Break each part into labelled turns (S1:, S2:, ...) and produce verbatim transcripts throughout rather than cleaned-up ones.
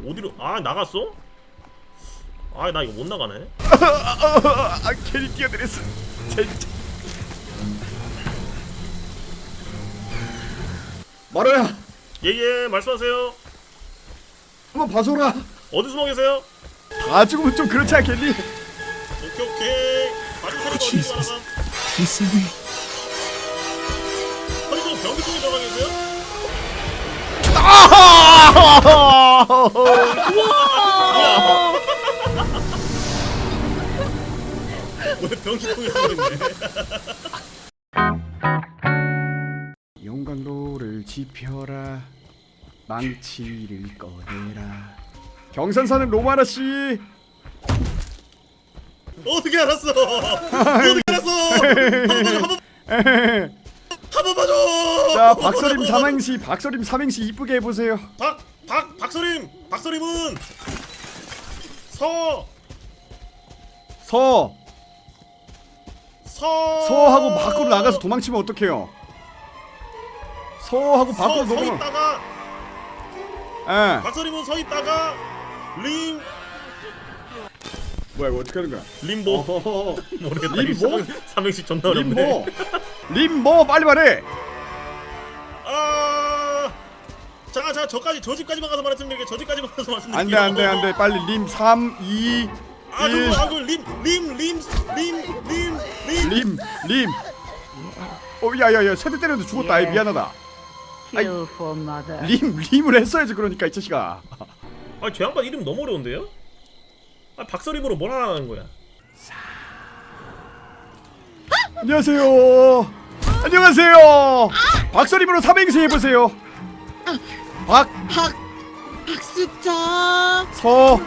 S1: 어디로? 아 나갔어? 아 나 이거 못 나가네.
S2: 아 괜히 뛰어들었어. 진짜.
S3: 마루야
S1: 예예 말씀하세요.
S3: 한번 봐줘라.
S1: 어디 숨어 계세요?
S2: 다 죽으면 좀 그렇지 않겠니?
S1: 오케이 오케이. 마지막 사람 어디 있어? 허리도 병기 쪽에 들어가 계세요?
S2: 아!
S1: 왜 병기 쪽에 들어가 있네?
S2: 용광로를 지펴라, 망치를 꺼내라. 경산사는 로마나 씨.
S1: 어떻게 알았어? 어떻게 알았어? 한번 봐줘.
S2: 자, 박서림 삼행시, 박서림 삼행시 이쁘게 해보세요.
S1: 박, 박, 박서림, 박서림은 서,
S2: 서,
S1: 서,
S2: 서하고 밖으로 나가서 도망치면 어떡해요? 서하고 밖으로
S1: 서, 서
S2: 도망.
S1: 있다가
S2: 예.
S1: 박서림은 서 있다가 림,
S2: 뭐야 이거 어떻게 하는 거야?
S1: 림보.
S2: 어허허.
S1: 모르겠다.
S2: 림보?
S1: 삼행시 존나 어렵네.
S2: 림보. 림보 빨리 말해.
S1: 아, 자, 자, 저까지 저 집까지만 가서 말씀드릴게요. 저 집까지만 가서 말씀드릴게요.
S2: 안돼 안돼 안돼 빨리 림 삼 이
S1: 아,
S2: 일.
S1: 그, 아, 그 림, 림, 림, 림, 림, 림.
S2: 림, 림. 어, 야야야, 세대 때렸는데 죽었다. 아이 미안하다. 아이, 림, 림을 했어야지 그러니까 이 자식아.
S1: 아, 저 양반 이름 너무 어려운데요? 아, 박서림으로 뭘 하라는 거야?
S2: 안녕하세요. 안녕하세요. 박서림으로 삼행시 해보세요. 박,
S4: 박 박수자
S2: 서,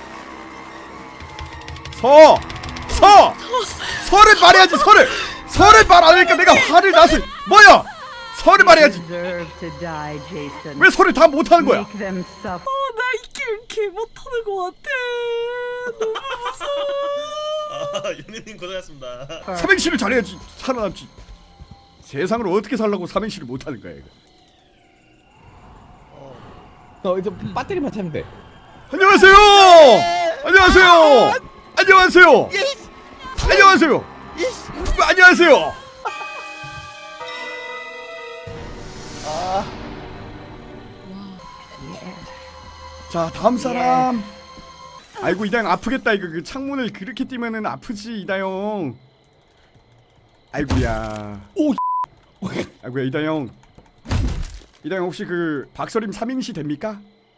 S2: 서, 서. 서를 말해야지. 서를, 서를 말 안 하니까 내가 화를 나서 뭐야? 서를 말해야지. 왜 서를 다 못하는 거야?
S4: 어나 이 게임 개 못하는 거 같아. 너무 무서워.
S1: 아, 연예님 고생하셨습니다.
S2: 삼행시를 잘해야지 살아남지. 세상을 어떻게 살라고 삼행시를 못하는 거야 이거.
S3: 어 이제 배터리만 차면 돼.
S2: 안녕하세요. 안녕하세요. 안녕하세요. 안녕하세요. 안녕하세요. 자 다음 사람. 아이고 이다영 아프겠다 이거. 그 창문을 그렇게 뛰면은 아프지 이다영. 아이고야. 오. 아이고야 이다영. 이다영 혹시 그 박서림 삼행시 됩니까?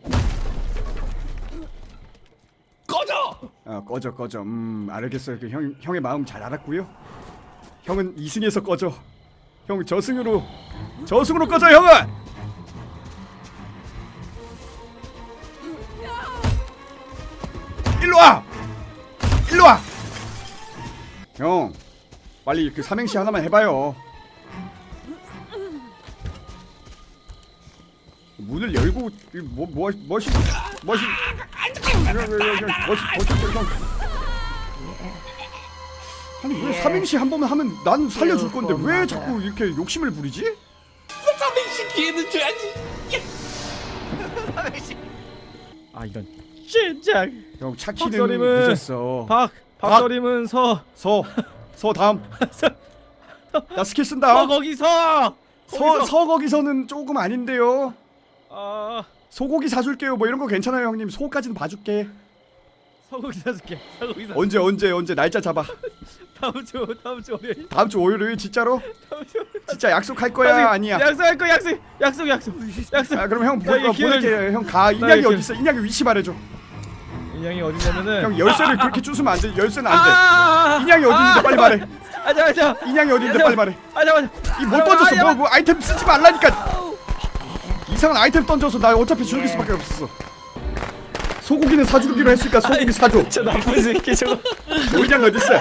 S3: 꺼져.
S2: 아 꺼져 꺼져. 음 알겠어요. 그 형 형의 마음 잘 알았고요. 형은 이승에서 꺼져. 형 저승으로 저승으로 꺼져 형은. 일로 와. 일로 와. 형 빨리 그 삼행시 하나만 해봐요. 문을 열고 뭐뭐 뭐시 뭐시 아니 왜 삼행시 한 번만 하면 난 살려줄 건데 왜 자꾸 이렇게 욕심을 부리지?
S3: 삼행시 기회는 줘야지. 삼행시.
S5: 아 이런 진짜.
S2: 형 차키는
S5: 박서림은-
S2: 늦었어.
S5: 박 박서림은 서.
S2: 서 서 다음. 나 스킬 쓴다.
S5: 서 거기서.
S2: 서 서 거기서는 조금 아닌데요.
S5: 아
S2: 소고기 사줄게요. 뭐 이런 거 괜찮아요 형님. 소까지는 봐줄게.
S5: 서거기 사줄게. 서거기 사.
S2: 언제 언제 언제 날짜 잡아.
S5: 다음 주 다음 주 월요일.
S2: 다음 주 월요일 진짜로?
S5: 다음 주.
S2: 진짜 약속할 거야 아니야?
S5: 약속할 거 약속 약속 약속 약속.
S2: 아 그럼 형 보,
S5: 나 이거
S2: 어,
S5: 기회를
S2: 보낼게. 형 가. 인양이
S5: 이렇게-
S2: 어디 있어? 인양이 위치 말해줘.
S5: 인양이 어디냐면은.
S2: 형 열쇠를 그렇게 주스면 안 돼. 열쇠는 안 돼.
S5: 아!
S2: 인양이 어디 있는데 빨리 말해.
S5: 아자 아자.
S2: 인양이 어디 있는데 빨리 말해.
S5: 아자 아자.
S2: 이 못 던졌어. 뭐, 뭐 아이템 쓰지 말라니까. 이상한 아이템 던져서 나 어차피 죽일 수밖에 없었어. 소고기는 사주기로 했으니까 소고기 사줘.
S5: 저 나쁜 새끼 저거.
S2: 인양 어디 있어?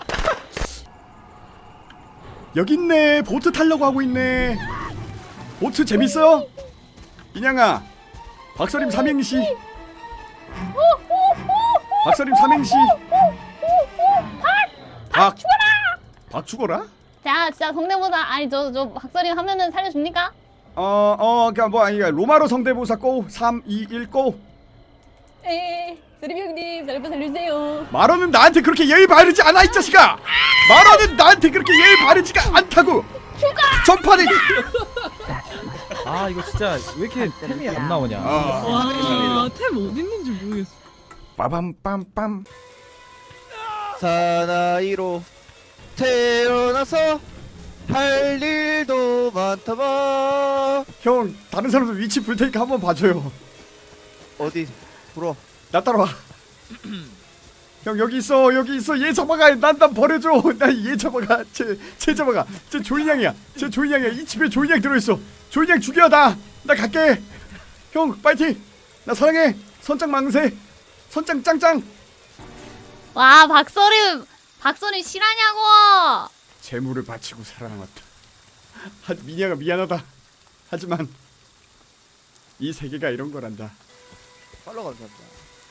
S2: 여기 있네. 보트 타려고 하고 있네. 보트 재밌어? 인양아. 박서림 삼행시. 박서림 삼행시. 박 죽어라. 박 죽어라?
S6: 자, 진짜 성대모사 아니 저 저 박서림 하면은 살려줍니까?
S2: 어어 그니까 뭐 아니 로마로 성대모사 고 삼 이 일 고.
S6: 에 쓰리비 형님 저 좀 살려주세요.
S2: 마로는 나한테 그렇게 예의 바르지 않아 이 자식아. 마로는 나한테 그렇게 예의 바르지가 않다고. 전판에
S5: 아 이거 진짜 왜 이렇게 템이 안 나오냐.
S2: 아.
S4: 와템 어디 있는지 모르겠어.
S2: 빠밤빰빰.
S7: 사나이로 태어나서 할 일도 많다마.
S2: 형 다른 사람들 위치 불 테니까 한번 봐줘요.
S7: 어디 불어.
S2: 나 따라와. 형 여기 있어 여기 있어 얘 잡아가. 난 난 버려줘. 나 얘 잡아가. 쟤쟤 잡아가. 쟤 조인양이야. 쟤 조인양이야. 이 집에 조인양 들어있어. 조인양 죽여. 나 나 갈게. 형 파이팅. 나 사랑해. 선장 망세. 선장 짱짱.
S6: 와 박서림 박서림 실하냐고.
S2: 재물을 바치고 살아남았다. 하, 미녀가 미안하다. 하지만 이 세계가 이런 거란다.
S7: 팔로 감사합니다.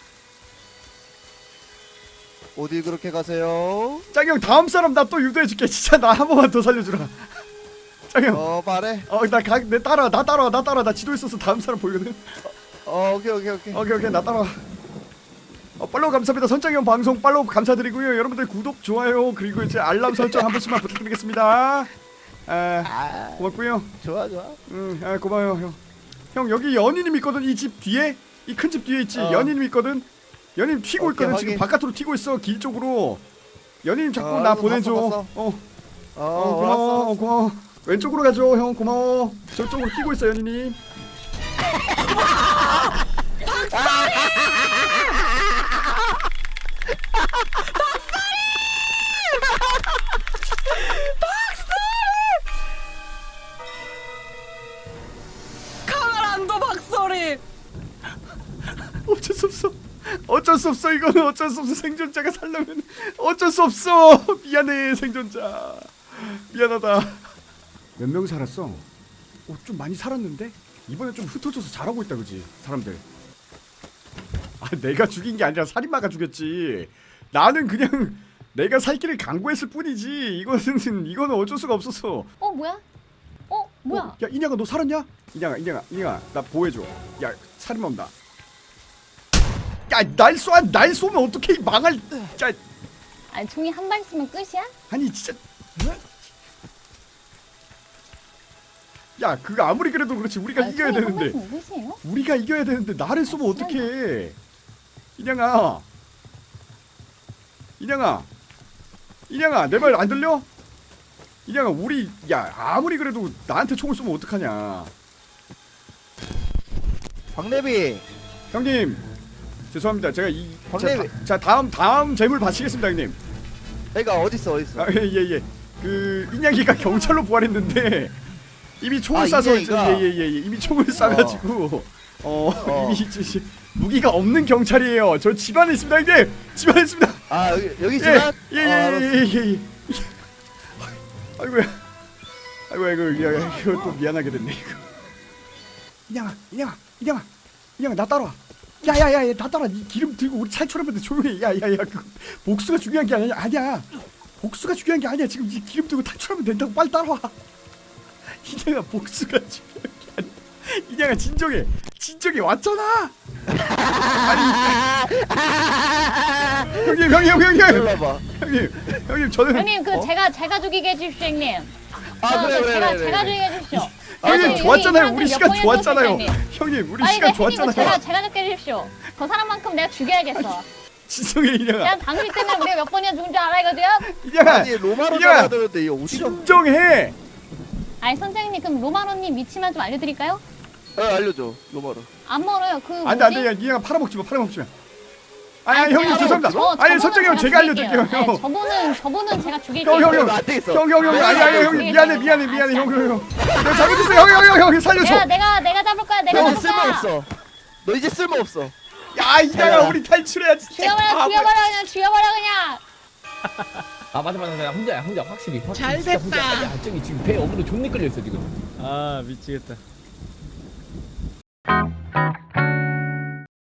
S7: 어디 그렇게 가세요?
S2: 짱형 다음 사람 나 또 유도해줄게. 진짜 나 한 번만 더 살려주라. 짱형.
S7: 어 말해.
S2: 어나가내 따라와 나 따라와 나 따라와 나 지도 있어서 다음 사람 보이거든.
S7: 어 오케이 오케이 오케이.
S2: 오케이 오케이 나 따라와. 어, 팔로우 감사합니다. 선장형 방송 팔로우 감사드리고요. 여러분들 구독 좋아요 그리고 이제 알람 설정 한 번씩만 부탁드리겠습니다. 아 고맙고요.
S7: 좋아 좋아.
S2: 응, 아 고마워요 형. 형 여기 연인님 있거든. 이 집 뒤에 이 큰 집 뒤에 있지.
S7: 어.
S2: 연인님 있거든. 연인님 튀고
S7: 오케이,
S2: 있거든.
S7: 확인.
S2: 지금 바깥으로 튀고 있어. 길 쪽으로. 연인님 자꾸
S7: 어,
S2: 나
S7: 알았어,
S2: 보내줘.
S7: 봤어, 봤어.
S2: 어,
S7: 어,
S2: 어 고마워.
S7: 알았어.
S2: 어, 고마워. 왼쪽으로 가죠 형. 고마워. 저쪽으로 뛰고 있어 연인님.
S4: 카메란도 박서림.
S2: 어쩔 수 없어. 어쩔 수 없어. 이거는 어쩔 수 없어. 생존자가 살려면 어쩔 수 없어. 미안해 생존자. 미안하다. 몇 명 살았어? 어, 좀 많이 살았는데? 이번에 좀 흩어져서 잘하고 있다 그지 사람들. 아 내가 죽인 게 아니라 살인마가 죽였지. 나는 그냥 내가 살 길을 강구했을 뿐이지. 이거는 이거는 어쩔 수가 없었어.
S6: 어 뭐야? 어 뭐야?
S2: 어, 야 인양아 너 살았냐? 인양아 인양아 인양아 나 보호해줘. 야 살인마 온다. 야날 쏴! 날 쏘면 어떡해 이 망할. 야
S6: 아니 총이 한 발 쓰면 끝이야?
S2: 아니 진짜. 야 그거 아무리 그래도 그렇지 우리가
S6: 아니,
S2: 이겨야
S6: 총이 한
S2: 되는데.
S6: 발 쓰면 끝이에요?
S2: 우리가 이겨야 되는데 나를 쏘면 어떡해. 인양아 인양아 인양아 내 말 안 들려? 인양아 우리 야 아무리 그래도 나한테 총을 쏘면 어떡하냐.
S7: 박내비.
S2: 형님 죄송합니다. 제가 이 자,
S7: 박내비.
S2: 다, 자 다음 다음 재물 바치겠습니다 형님.
S7: 애가 어디 있어 어디 있어?
S2: 아예예 예. 그 인양이가 경찰로 부활했는데 이미 총을
S7: 아,
S2: 쏴서
S7: 인양이가?
S2: 예예예 예, 예. 이미 총을 쏴가지고 어,
S7: 어.
S2: 이미 지- 무기가 없는 경찰이에요. 저 집안에 있습니다 형님. 집안에 있습니다.
S7: 아 여기 여기 지나?
S2: 예예예예예. 아이고야. 아이고 이거 야, 야, 이거 또 미안하게 됐네 이거. 인양아 인양아 인양아 인양아 나 따라와. 야야야 나 따라. 이 기름 들고 우리 탈출하면 조용히. 야야야 그 복수가 중요한 게 아니야. 아니야. 복수가 중요한 게 아니야. 지금 이 기름 들고 탈출하면 된다고. 빨리 따라와. 인양아 복수가 중요한 게 아니야. 인양아 진정해. 진정해 왔잖아. 아니 형님 형님 형님
S7: 일로
S2: 형님
S7: 와봐.
S2: 형님 형님 저는
S6: 형님 그 제가 제가 죽이게 해주십시오 형님.
S7: 아
S6: 저,
S7: 그래
S6: 그
S7: 그래
S6: 제가
S7: 그래.
S6: 제가
S7: 그래.
S6: 죽이게 해주십시오.
S2: 형님
S6: 여기
S2: 좋았잖아요.
S6: 사람들
S2: 우리
S6: 몇
S2: 시간
S6: 번이나
S2: 좋았잖아요.
S6: 죽였어요, 형님.
S2: 형님 우리
S6: 아니
S2: 시간
S6: 내 형님 이거 제가
S2: 좋았잖아요.
S6: 제가 죽게 해주십시오. 저 사람만큼 내가 죽여야겠어.
S2: 진정해 인양아.
S6: 내가 당신 때문에 우리가 몇 번이나 죽은 줄 알아 이거 지금?
S2: 인양아
S7: 아니 로마로
S2: 인양아
S7: 잡아야 되는데 이거 어디서?
S2: 진정해.
S6: 아니 선장님 그럼 로마로님 위치만 좀 알려드릴까요?
S7: 어 알려줘 로마로.
S6: 안 멀어요. 그
S2: 안돼 안돼 야 인양아 팔아먹지 마 팔아먹지 마. 아니, 아니 형님
S6: 제가
S2: 죄송합니다.
S6: 저-
S2: 아니
S6: 저분은
S2: 선장님
S6: 제가
S2: 제가
S6: 죽일게요.
S2: 알려드릴게요
S6: 아니,
S2: 형.
S6: 저분은 저분은 제가 죽일게요.
S2: 형, 형, 형.
S7: 안 되겠어.
S2: 형 형 형
S6: 아니,
S2: 아니 아니
S6: 아니,
S2: 형님
S6: 아니,
S2: 미안해
S6: 아니,
S2: 미안해
S6: 아니,
S2: 미안해
S6: 아니,
S2: 형
S6: 아니.
S2: 형 형. 내가 잘못했어요 형 형 형 형 살려줘.
S6: 내가 내가 내가 잡을 거야. 내가
S7: 너
S6: 잡을
S7: 이제
S6: 거야.
S7: 쓸모 없어. 너 이제 쓸모 없어.
S2: 야 인양아 우리 탈출해야 진짜.
S6: 죽여버려
S2: 바보야.
S6: 죽여버려 그냥 죽여버려 그냥.
S3: 아 맞아 맞아 맞아 혼자야 혼자 확실히 확실히
S4: 잘
S3: 진짜 혼자.
S4: 됐다.
S3: 아니야 저기 지금 배 어그로 존나 끌려 있어 지금.
S5: 아 미치겠다.